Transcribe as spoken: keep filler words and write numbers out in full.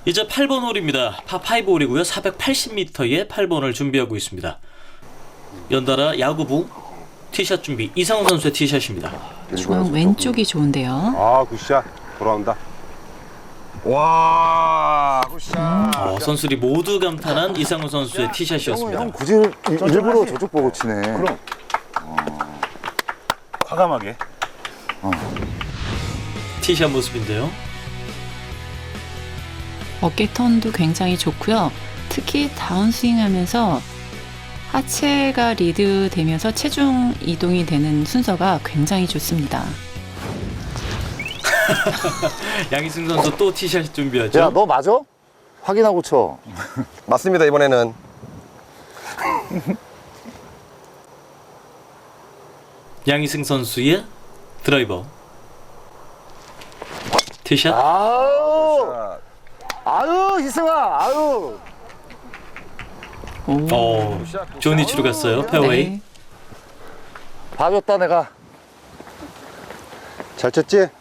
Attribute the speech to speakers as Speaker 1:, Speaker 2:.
Speaker 1: 이제 팔 번 홀입니다. 파 오 홀이고요. 사백팔십 미터의 팔 번을 준비하고 있습니다. 연달아 야구부 티샷 준비. 이상훈 선수의 티샷입니다.
Speaker 2: 중앙 왼쪽이 좋은데요.
Speaker 3: 아, 굿샷. 돌아온다. 와, 굿샷.
Speaker 1: 어, 선수들이 모두 감탄한 이상훈 선수의 티샷이었습니다.
Speaker 4: 형 굳이 일- 일부러 저쪽 보고 치네.
Speaker 3: 그럼. 과감하게.
Speaker 1: 티샷 모습인데요.
Speaker 2: 어깨 턴도 굉장히 좋고요. 특히 다운스윙 하면서 하체가 리드 되면서 체중 이동이 되는 순서가 굉장히 좋습니다.
Speaker 1: 양희승 선수 또 티샷 준비하죠.
Speaker 4: 야, 너 맞아? 확인하고 쳐.
Speaker 3: 맞습니다, 이번에는.
Speaker 1: 양희승 선수의 드라이버. 티샷.
Speaker 4: 아유, 아유, 희승아, 아유.
Speaker 2: 오.
Speaker 1: 어, 좋은 위치로 갔어요. 페어웨이.
Speaker 2: 네.
Speaker 4: 봐줬다 내가. 잘 쳤지?